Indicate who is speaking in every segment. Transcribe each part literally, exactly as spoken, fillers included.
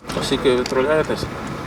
Speaker 1: Скільки відправляєтесь?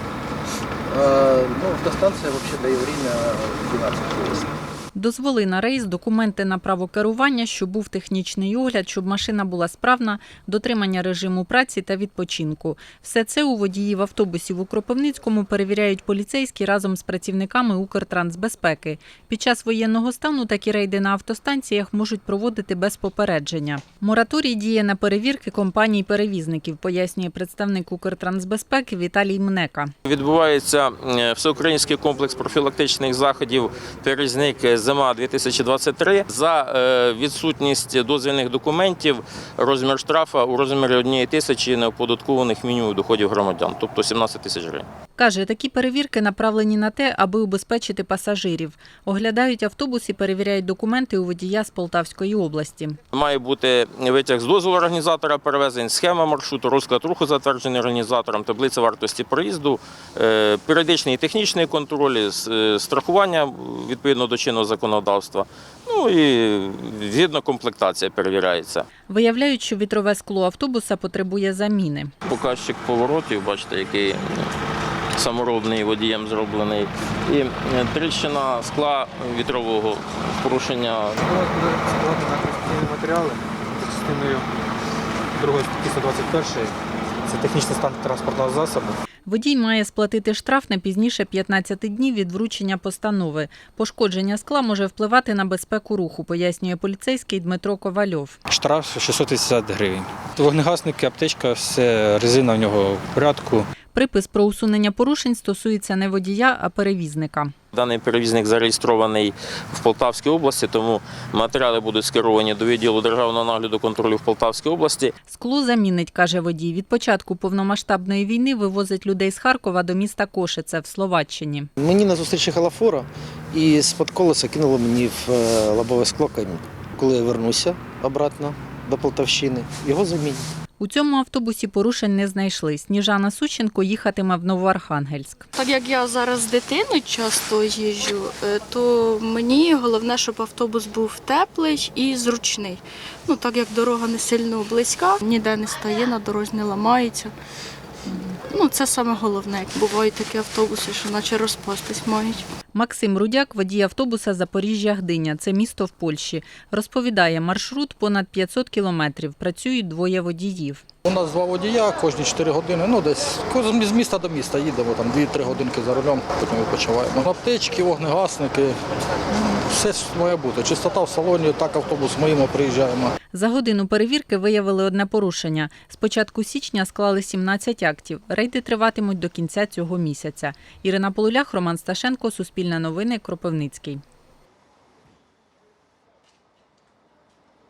Speaker 2: Э, ну, до станции вообще даю время двенадцать часов.
Speaker 3: Дозволи на рейс, документи на право керування, щоб був технічний огляд, щоб машина була справна, дотримання режиму праці та відпочинку. Все це у водіїв автобусів у Кропивницькому перевіряють поліцейські разом з працівниками Укртрансбезпеки. Під час воєнного стану такі рейди на автостанціях можуть проводити без попередження. Мораторій діє на перевірки компаній-перевізників, пояснює представник Укртрансбезпеки Віталій Мнека.
Speaker 1: Відбувається всеукраїнський комплекс профілактичних заходів «Перевізник зима дві тисячі двадцять три». За відсутність дозвільних документів розмір штрафу у розмірі однієї тисячі неоподаткованих мінімумів доходів громадян, тобто сімнадцять тисяч гривень.
Speaker 3: Каже, такі перевірки направлені на те, аби убезпечити пасажирів. Оглядають автобус і перевіряють документи у водія з Полтавської області.
Speaker 1: Має бути витяг з дозволу організатора перевезень, схема маршруту, розклад руху, затверджений організатором, таблиця вартості проїзду, періодичний і технічний контроль, страхування відповідно до чинного законодавства. Ну і згідно комплектація перевіряється.
Speaker 3: Виявляють, що вітрове скло автобуса потребує заміни.
Speaker 1: Показчик поворотів, бачите, який саморобний водієм зроблений. І тріщина скла вітрового порушення.
Speaker 4: Зараз буде складати на конституційні матеріали за частиною другої статті сто двадцять першої. Це технічний стан транспортного засобу.
Speaker 3: Водій має сплатити штраф не пізніше п'ятнадцяти днів від вручення постанови. Пошкодження скла може впливати на безпеку руху, пояснює поліцейський Дмитро Ковальов.
Speaker 4: Штраф шістсот вісімдесят гривень. Вогнегасники, аптечка, все, резина в нього в порядку.
Speaker 3: Припис про усунення порушень стосується не водія, а перевізника.
Speaker 1: Даний перевізник зареєстрований в Полтавській області, тому матеріали будуть скеровані до відділу державного нагляду контролю в Полтавській області.
Speaker 3: Скло замінить, каже водій. Від початку повномасштабної війни вивозить людей з Харкова до міста Кошице в Словаччині.
Speaker 2: Мені на зустрічі халафора і з-під колеса кинуло мені в лобове скло камінь. Коли я вернуся обратно до Полтавщини, його замінять.
Speaker 3: У цьому автобусі порушень не знайшли. Сніжана Сущенко їхатиме в Новоархангельськ.
Speaker 5: Так як я зараз з дитиною часто їжджу, то мені головне, щоб автобус був теплий і зручний. Ну, так як дорога не сильно близька, ніде не стає, на дорозі не ламається. Ну, це саме головне. Бувають такі автобуси, що наче розпастись мають.
Speaker 3: Максим Рудяк – водій автобуса Запоріжжя-Гдиня. Це місто в Польщі. Розповідає, маршрут понад п'ятсот кілометрів. Працюють двоє водіїв.
Speaker 6: У нас два водія, кожні чотири години, ну десь з міста до міста їдемо, там дві-три годинки за рулем, потім відпочиваємо. Аптечки, вогнегасники, все має бути. Чистота в салоні, так автобус моїм приїжджаємо.
Speaker 3: За годину перевірки виявили одне порушення. З початку січня склали сімнадцять актів. Рейди триватимуть до кінця цього місяця. Ірина Полулях, Роман Сташенко, Суспільне новини, Кропивницький.